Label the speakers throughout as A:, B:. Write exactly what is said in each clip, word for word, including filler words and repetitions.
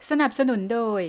A: สนับสนุนโดย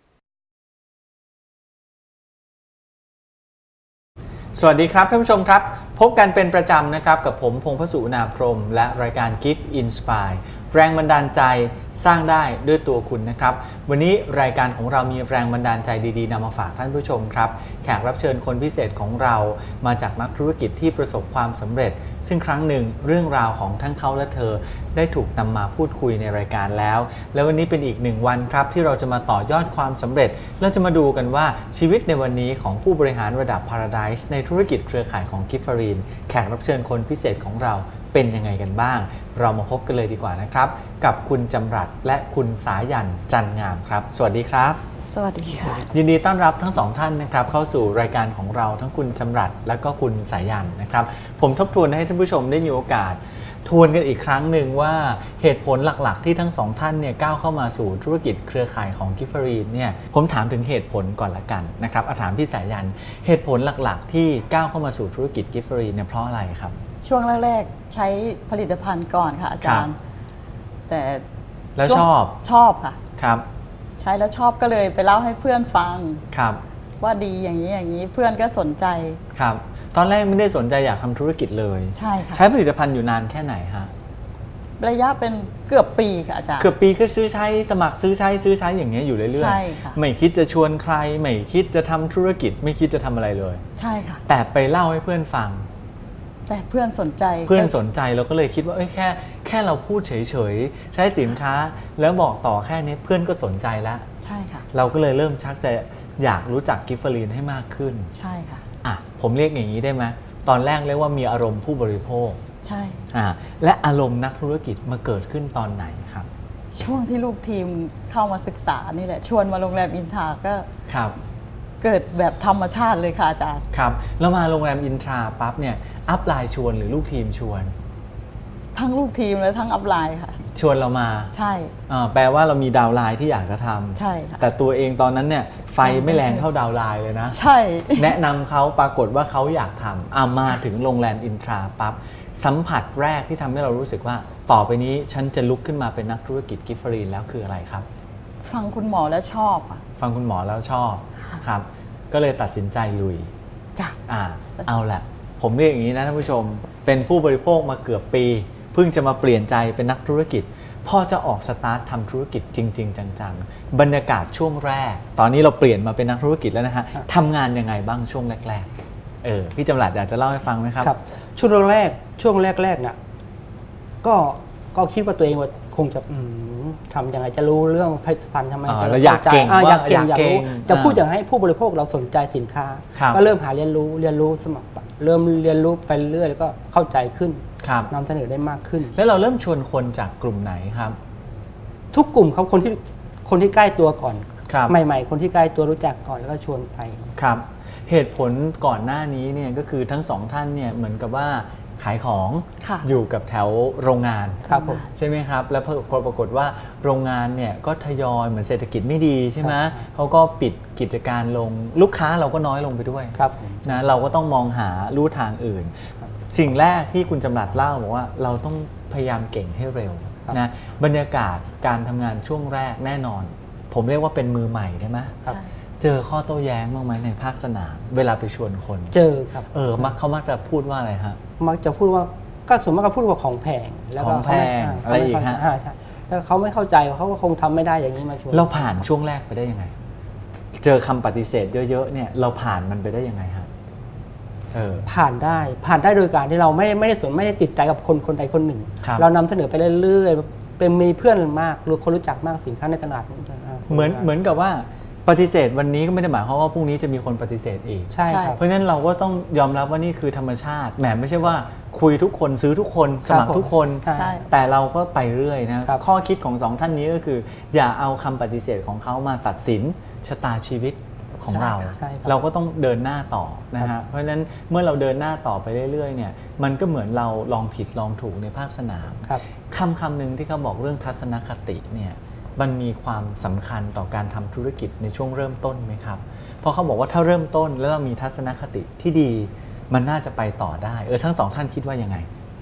B: สวัสดีครับท่านผู้ชมครับพบกันเป็นประจำนะครับกับผมพงษ์พสุนาพรหมและรายการ Gift Inspire แรงบันดาลใจสร้างได้ด้วยตัวคุณนะครับวันนี้รายการของเรามีแรงบันดาลใจดีๆนำมาฝากท่านผู้ชมครับแขกรับเชิญคนพิเศษของเรามาจากนักธุรกิจที่ประสบความสำเร็จซึ่งครั้งหนึ่งเรื่องราวของทั้งเขาและเธอได้ถูกนำมาพูดคุยในรายการแล้วและวันนี้เป็นอีกหนึ่งวันครับที่เราจะมาต่อยอดความสำเร็จเราจะมาดูกันว่าชีวิตในวันนี้ของผู้บริหารระดับ Paradise ในธุรกิจเครือข่ายของ Giftmarine แขกรับเชิญคนพิเศษของเราเป็นยังไงกันบ้างเรามาพบกันเลยดีกว่านะครับกับคุณจำรัดและคุณสายันจันงามครับสวัสดีครับ
C: สวัสดีค่ะ
B: ยินดีต้อนรับทั้งสองท่านนะครับเข้าสู่รายการของเราทั้งคุณจำรัดและก็คุณสายันนะครับผมทบทวนให้ท่านผู้ชมได้มีโอกาสทวนกันอีกครั้งหนึ่งว่าเหตุผลหลักๆที่ทั้งสองท่านเนี่ยก้าวเข้ามาสู่ธุรกิจเครือข่ายของ Giftmarine เนี่ยผมถามถึงเหตุผลก่อนละกันนะครับอาถามพี่สายันเหตุผลหลักๆที่ก้าวเข้ามาสู่ธุรกิจ Giftmarine เนี่ยเพราะอะไรครับ
C: ช่วงแรกๆใช้ผลิตภัณฑ์ก่อนค่ะอาจารย์แต่
B: แล้วชอบ
C: ชอบค่ะ
B: ครับ
C: ใช้แล้วชอบก็เลยไปเล่าให้เพื่อนฟัง
B: ครับ
C: ว่าดีอย่างนี้อย่างนี้เพื่อนก็สนใจ
B: ครับตอนแรกไม่ได้สนใจอยากทำธุรกิจเลย
C: ใช่ค่ะ
B: ใช้ผลิตภัณฑ์อยู่นานแค่ไหนฮะ
C: ระยะเป็นเกือบปีค่ะอาจารย์
B: เกือบปีก็ซื้อใช้สมัครซื้อใช้ซื้อใช้อย่างเงี้ยอยู่เรื่อยๆ
C: ใช่ค่ะ
B: ไม่คิดจะชวนใครไม่คิดจะทำธุรกิจไม่คิดจะทำอะไรเลย
C: ใช่ค่ะ
B: แต่ไปเล่าให้เพื่อนฟัง
C: แต่เพื่อนสนใจ
B: เพื่อนสนใจเราก็เลยคิดว่าเอ้ยแค่แค่เราพูดเฉยๆใช้สินค้าแล้วบอกต่อแค่นี้เพื่อนก็สนใจแล้ว
C: ใช่ค่ะ
B: เราก็เลยเริ่มชักจะอยากรู้จักGiftmarineให้มากขึ้น
C: ใช่ค่ะ
B: อ่ะผมเรียกอย่างนี้ได้ไหมตอนแรกเรียกว่ามีอารมณ์ผู้บริโภค
C: ใช่
B: อ่าและอารมณ์นักธุรกิจมาเกิดขึ้นตอนไหนครับ
C: ช่วงที่ลูกทีมเข้ามาศึกษานี่แหละชวนมาโรงแรมอินทราก็
B: ครับ
C: เกิดแบบธรรมชาติเลยค่ะอาจารย์
B: ครับแล้วมาโรงแรมอินทราปั๊บเนี่ยอัพไลน์ชวนหรือลูกทีมชวน
C: ทั้งลูกทีมและทั้งอัพไลน์ค่ะ
B: ชวนเรามา
C: ใช่
B: แปลว่าเรามีดาวไลน์ที่อยากจะทำ
C: ใช่ค่ะ
B: แต่ตัวเองตอนนั้นเนี่ยไฟไม่แรงเท่าดาวไลน์เลยนะ
C: ใช่
B: แนะนำเขาปรากฏว่าเขาอยากทำอ่ามาถึงโรงแรมอินทราปั๊บสัมผัสแรกที่ทำให้เรารู้สึกว่าต่อไปนี้ฉันจะลุกขึ้นมาเป็นนักธุรกิจGiftmarineแล้วคืออะไรครับ
C: ฟังคุณหมอแล้วชอบอ่ะ
B: ฟังคุณหมอแล้วชอบครับก็เลยตัดสินใจลุย
C: จ้ะ
B: อ่าเอาแหละผมเรียกอย่างนี้นะท่านผู้ชมเป็นผู้บริโภคมาเกือบปีเพิ่งจะมาเปลี่ยนใจเป็นนักธุรกิจพอจะออกสตาร์ททำธุรกิจจริงๆจังๆบรรยากาศช่วงแรกตอนนี้เราเปลี่ยนมาเป็นนักธุรกิจแล้วนะฮะทำงานยังไงบ้างช่วงแรกๆเออพี่จำหลัดอยากจะเล่าให้ฟังไหมครับ
D: ครับช่วงแรกช่วงแรกๆเนี่ยก็ก็คิดว่าตัวเองว่าคงจะทำยังไงจะรู้เรื่องผลิตภัณฑ์ทำไมจะ
B: อยากเก่ง
D: อยากเก่งอยากรู้จะพูดอย่างให้ผู้บริโภคเราสนใจสินค้าก็เริ่มหาเรียนรู้เรียนรู้สมัครเริ่มเรียนรู้ไปเรื่อยแล้วก็เข้าใจขึ้นนำเสนอได้มากขึ้น
B: แล้วเราเริ่มชวนคนจากกลุ่มไหนครับ
D: ทุกกลุ่มครับคนที่คนที่ใกล้ตัวก่อน
B: ใ
D: หม่ๆคนที่ใกล้ตัวรู้จักก่อนแล้วก็ชวนไป
B: ครับเหตุผลก่อนหน้านี้เนี่ยก็คือทั้งสองท่านเนี่ยเหมือนกับว่าขายของอยู่กับแถวโรงงาน
D: ครับผม
B: ใช่ไหมครับแล้วพอปรากฏว่าโรงงานเนี่ยก็ทยอยเหมือนเศรษฐกิจไม่ดีใช่ไหมเขาก็ปิดกิจการลงลูกค้าเราก็น้อยลงไปด้วยนะเราก็ต้องมองหาลู่ทางอื่นสิ่งแรกที่คุณจำรัดเล่าบอกว่าเราต้องพยายามเก่งให้เร็วนะบรรยากาศการทำงานช่วงแรกแน่นอนผมเรียกว่าเป็นมือใหม่ได้ไหมเจอข้อโต้แย้งบ้างไหมในภาคสนามเวลาไปชวนคน
D: เจอครับ
B: เออมักเขามักจะพูดว่าอะไรฮะ
D: มักจะพูดว่าก็ส่วนมากก็พูดว่าของแพง
B: แล้วก็ของแพงอะไรอีกฮะ
D: ใช่แล้วเขาไม่เข้าใจเขาก็คงทำไม่ได้อย่างนี้มาชวน
B: เราผ่านช่วงแรกไปได้ยังไงเจอคำปฏิเสธเยอะๆเนี่ยเราผ่านมันไปได้ยังไงฮะเออ
D: ผ่านได้ผ่านได้โดยการที่เราไม่ไม่ได้สนไม่ได้ติดใจกับคนคนใดคนหนึ่งเรานำเสนอไปเรื่อยๆเป็นมีเพื่อนมากหรือคนรู้จักมากสินค้าในตลาด
B: เหมือนเหมือนกับว่าปฏิเสธวันนี้ก็ไม่ได้หมายความว่าพรุ่งนี้จะมีคนปฏิเสธอีก
D: ใช่ครับ
B: เพราะฉะนั้นเราก็ต้องยอมรับว่านี่คือธรรมชาติแหมไม่ใช่ว่าคุยทุกคนซื้อทุกคนสมัครทุกคนแต่เราก็ไปเรื่อยนะข้อคิดของสองท่านนี้ก็คืออย่าเอาคำปฏิเสธของเขามาตัดสินชะตาชีวิตของเราเราก็ต้องเดินหน้าต่อนะฮะเพราะฉะนั้นเมื่อเราเดินหน้าต่อไปเรื่อยๆเนี่ยมันก็เหมือนเราลองผิดลองถูกในภาคสนามคำคำหนึ่งที่เขาบอกเรื่องทัศนคติเนี่ยมันมีความสำคัญต่อการทำธุรกิจในช่วงเริ่มต้นไหมครับเพราะเขาบอกว่าถ้าเริ่มต้นแล้วเรามีทัศนคติที่ดีมันน่าจะไปต่อได้เออทั้งสองท่านคิดว่ายังไง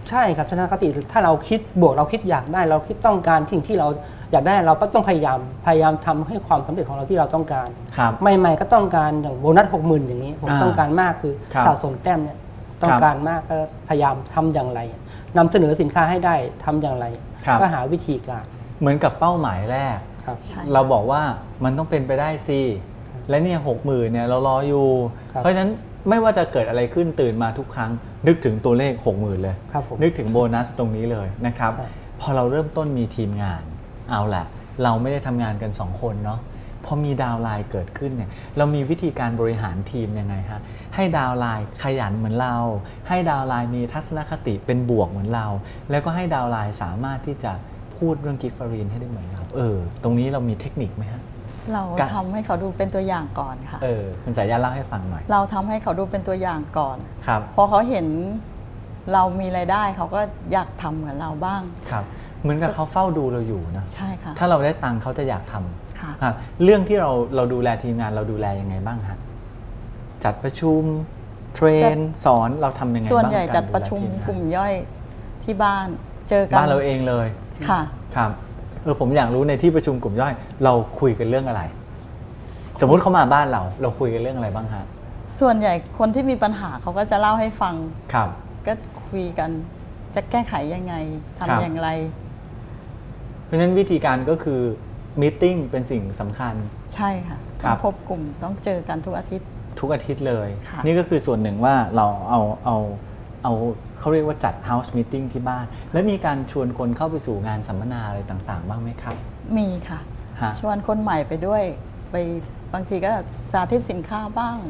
D: ใช่ครับทัศนคติถ้าเราคิดบวกเราคิดอยากได้เราคิดต้องการสิ่งที่เราอยากได้เราก็ต้องพยายามพยายามทำให้ความสำเร็จของเราที่เราต้องการใหม่ๆก็ต้องการอย่างโบนัสหกหมื่นอย่างนี้ผมต้องการมากคือสะสมแต้มเนี่ยต้องการมากก็พยายามทำอย่างไรนำเสนอสินค้าให้ได้ทำอย่างไรก็หาวิธีการ
B: เหมือนกับเป้าหมายแรกเราบอกว่ามันต้องเป็นไปได้สิและเนี่ยหกหมื่นเนี่ยเรารออยู่เพราะฉะนั้นไม่ว่าจะเกิดอะไรขึ้นตื่นมาทุกครั้งนึกถึงตัวเลขหกหมื่นเลยนึกถึงโบนัสตรงนี้เลยนะครับพอเราเริ่มต้นมีทีมงานเอาแหละเราไม่ได้ทำงานกันสองคนเนาะพอมีดาวไลน์เกิดขึ้นเนี่ยเรามีวิธีการบริหารทีมยังไงฮะให้ดาวไลน์ขยันเหมือนเราให้ดาวไลน์มีทัศนคติเป็นบวกเหมือนเราแล้วก็ให้ดาวไลน์สามารถที่จะพูดเรื่องกิฟต์ฟารีนให้ได้เหมือนเราเออตรงนี้เรามีเทคนิคไหมฮะ
C: เราทำให้เขาดูเป็นตัวอย่างก่อนค่ะ
B: เออคุณสายยาเล่าให้ฟังหน่อย
C: เราทำให้เขาดูเป็นตัวอย่างก่อน
B: ครับ
C: พอเขาเห็นเรามีรายได้เขาก็อยากทำเหมือนเราบ้าง
B: ครับเหมือนกับเขาเฝ้าดูเราอยู่นะ
C: ใช่ค่ะ
B: ถ้าเราได้ตังค์เขาจะอยากทำ
C: ค่ะ
B: เรื่องที่เราเราดูแลทีมงานเราดูแลยังไงบ้างฮะจัดประชุมเทรนสอนเราทำยังไงบ้าง
C: ส่วนใหญ่จัดประชุมกลุ่มย่อยที่บ้านเจอกัน
B: บ้านเราเองเลย
C: ค่ะ
B: ครับเออผมอยากรู้ในที่ประชุมกลุ่มย่อยเราคุยกันเรื่องอะไรสมมุติเขามาบ้านเราเราคุยกันเรื่องอะไรบ้างฮะ
C: ส่วนใหญ่คนที่มีปัญหาเขาก็จะเล่าให้ฟัง
B: ครับ
C: ก็คุยกันจะแก้ไขยังไงทำอย่างไร
B: เพราะฉะนั้นวิธีการก็คือมีตติ้งเป็นสิ่งสำคัญ
C: ใช่ค่ะต้องพบกลุ่มต้องเจอกันทุกอาทิตย์
B: ทุกอาทิตย์เลยนี่ก็คือส่วนหนึ่งว่าเราเอาเอาเอาเขาเรียกว่าจัด House Meeting ที่บ้านแล้วมีการชวนคนเข้าไปสู่งานสัมมนาอะไรต่างๆบ้างไหมครับ
C: มีค่ะชวนคนใหม่ไปด้วยไปบางทีก็สาธิตสินค้าบ้าง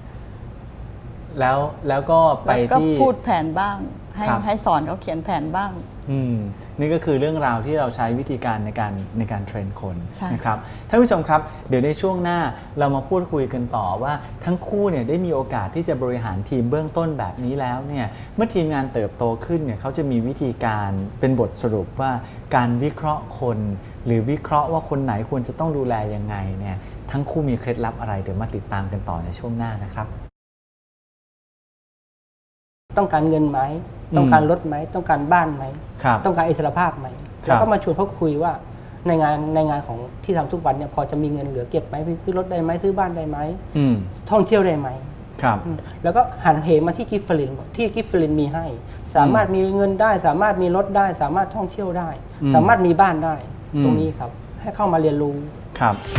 B: แล้วแล้วก็ไปที่
C: พูดแผนบ้างให้ให้สอนเขาเขียนแผนบ้าง
B: อืมนี่ก็คือเรื่องราวที่เราใช้วิธีการในการในการเทรนคนนะครับท่านผู้ชมครับเดี๋ยวในช่วงหน้าเรามาพูดคุยกันต่อว่าทั้งคู่เนี่ยได้มีโอกาสที่จะบริหารทีมเบื้องต้นแบบนี้แล้วเนี่ยเมื่อทีมงานเติบโตขึ้นเนี่ยเขาจะมีวิธีการเป็นบทสรุปว่าการวิเคราะห์คนหรือวิเคราะห์ว่าคนไหนควรจะต้องดูแลยังไงเนี่ยทั้งคู่มีเคล็ดลับอะไรเดี๋ยวมาติดตามกันต่อในช่วงหน้านะครับ
D: ต้องการเงินไหมต้องการรถไหมต้องการบ้านไหมต้องการอิสรภาพไหมแล้วก็มาชวนเขาคุยว่าในงานในงานของที่ทำทุกวันเนี่ยพอจะมีเงินเหลือเก็บไหมไปซื้อรถได้ไหมซื้อบ้านได้ไหมท่องเที่ยวได้ไหมแล้วก็หันเหมาที่กิฟต์ฟลินที่กิฟต์ฟลินมีให้สามารถมีเงินได้สามารถมีรถได้สามารถท่องเที่ยวได้สามารถมีบ้านได้ตรงนี้ครับให้เข้ามาเรียนรู้
B: ครับ